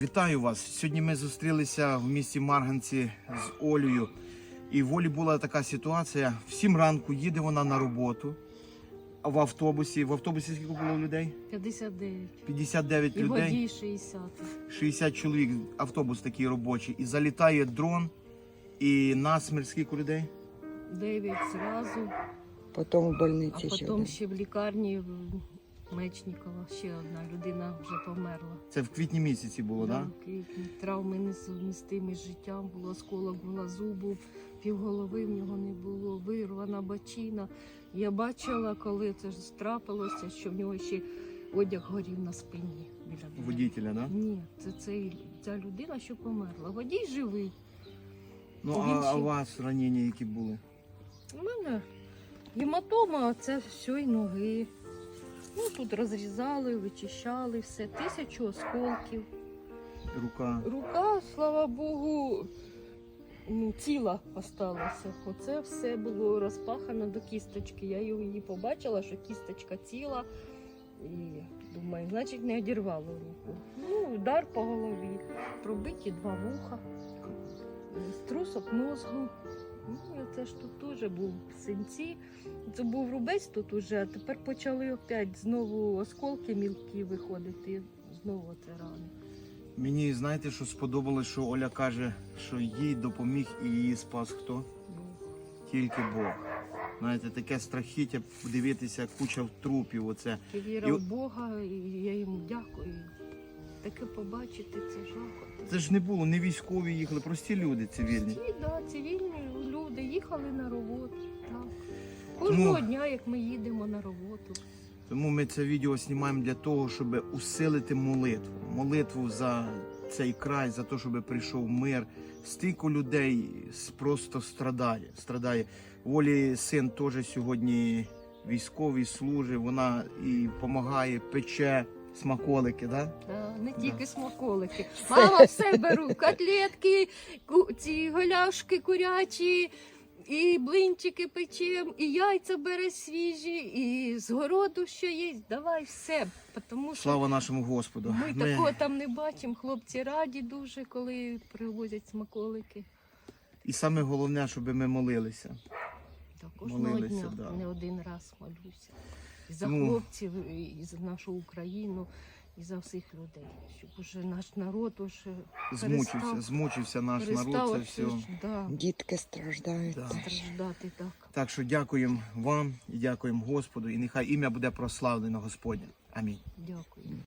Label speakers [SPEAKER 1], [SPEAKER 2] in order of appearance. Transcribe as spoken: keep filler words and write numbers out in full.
[SPEAKER 1] Вітаю вас! Сьогодні ми зустрілися в місті Марганці з Олею. І в Олі була така ситуація. В сім ранку їде вона на роботу в автобусі. В автобусі скільки було людей?
[SPEAKER 2] п'ятдесят дев'ять.
[SPEAKER 1] п'ятдесят дев'ять
[SPEAKER 2] І
[SPEAKER 1] людей.
[SPEAKER 2] водій шістдесят.
[SPEAKER 1] шістдесят чоловік. Автобус такий робочий. І залітає дрон. І насмерть скільки людей?
[SPEAKER 2] дев'ять зразу.
[SPEAKER 3] Потім в
[SPEAKER 2] А
[SPEAKER 3] больниці ще.
[SPEAKER 2] потім
[SPEAKER 3] один.
[SPEAKER 2] ще в лікарні в Мечнікова ще одна людина вже померла.
[SPEAKER 1] Це в квітні місяці було, так?
[SPEAKER 2] в квітні. Травми несумістимі з життям, було осколок була зубу, півголови в нього не було, вирвана бачина. Я бачила, коли це ж трапилося, що в нього ще одяг горів на спині біля дверей.
[SPEAKER 1] Водителя, так?
[SPEAKER 2] Ні, це цей, ця людина, що померла. Водій живий.
[SPEAKER 1] Ну,
[SPEAKER 2] Він
[SPEAKER 1] а, а
[SPEAKER 2] ще-
[SPEAKER 1] у вас ранення які були?
[SPEAKER 2] У мене гематома, це все і ноги. Ну, тут розрізали, вичищали все, тисячу осколків.
[SPEAKER 1] Рука.
[SPEAKER 2] Рука, слава Богу, ну, ціла осталася. Оце все було розпахано до кісточки. Я її побачила, що кісточка ціла. І думаю, значить не одірвало руку. Ну, удар по голові, пробиті два вуха, струсок мозку. Ну, і це ж тут теж був синці. Це був рубець тут уже, а тепер почали опять знову осколки мілкі виходити. Знову це рани.
[SPEAKER 1] Мені, знаєте, що сподобалось, що Оля каже, що їй допоміг і її спас хто? Тільки Бог. Знаєте, таке страхіття, подивитися, куча трупів оце.
[SPEAKER 2] І віра
[SPEAKER 1] І-
[SPEAKER 2] в Бога, і я йому дякую. Таке побачити, це жахо.
[SPEAKER 1] Це ж не було, не військові їхали, прості люди цивільні.
[SPEAKER 2] Ті, да, цивільні люди їхали на роботу. Так. Кожного
[SPEAKER 1] Тому-
[SPEAKER 2] дня, як ми їдемо на роботу.
[SPEAKER 1] Тому ми це відео знімаємо для того, щоб усилити молитву. Молитву за цей край, за те, щоб прийшов мир. Стільки людей с- просто страдає. страдає. Волі син теж сьогодні військовий, служить, вона і допомагає, пече смаколики, да?
[SPEAKER 2] Та, не
[SPEAKER 1] Да.
[SPEAKER 2] тільки смаколики. Мама все беру. Котлетки, ку- ці голяшки курячі, і блинчики печем, і яйця бере свіжі, і з городу що є. Давай все. Тому що
[SPEAKER 1] Слава нашому Господу.
[SPEAKER 2] ми
[SPEAKER 1] Ми-
[SPEAKER 2] такого там не бачимо. Хлопці раді дуже, коли привозять смаколики.
[SPEAKER 1] І саме головне, щоб ми молилися.
[SPEAKER 2] Так, кожного
[SPEAKER 1] Молилися,
[SPEAKER 2] дня
[SPEAKER 1] да.
[SPEAKER 2] не один раз молюся. І за
[SPEAKER 1] Ну.
[SPEAKER 2] хлопців, і за нашу Україну, і за всіх людей. Щоб уже наш народ уже
[SPEAKER 1] Змучився,
[SPEAKER 2] перестав,
[SPEAKER 1] змучився наш народ,
[SPEAKER 2] перестав
[SPEAKER 1] це
[SPEAKER 2] оце
[SPEAKER 1] все.
[SPEAKER 2] ж, да,
[SPEAKER 3] Дітки страждають.
[SPEAKER 1] Да.
[SPEAKER 3] теж.
[SPEAKER 2] страждати так.
[SPEAKER 1] Так що дякуємо вам і дякуємо Господу, і нехай ім'я буде прославлено Господнє. Амінь.
[SPEAKER 2] Дякую.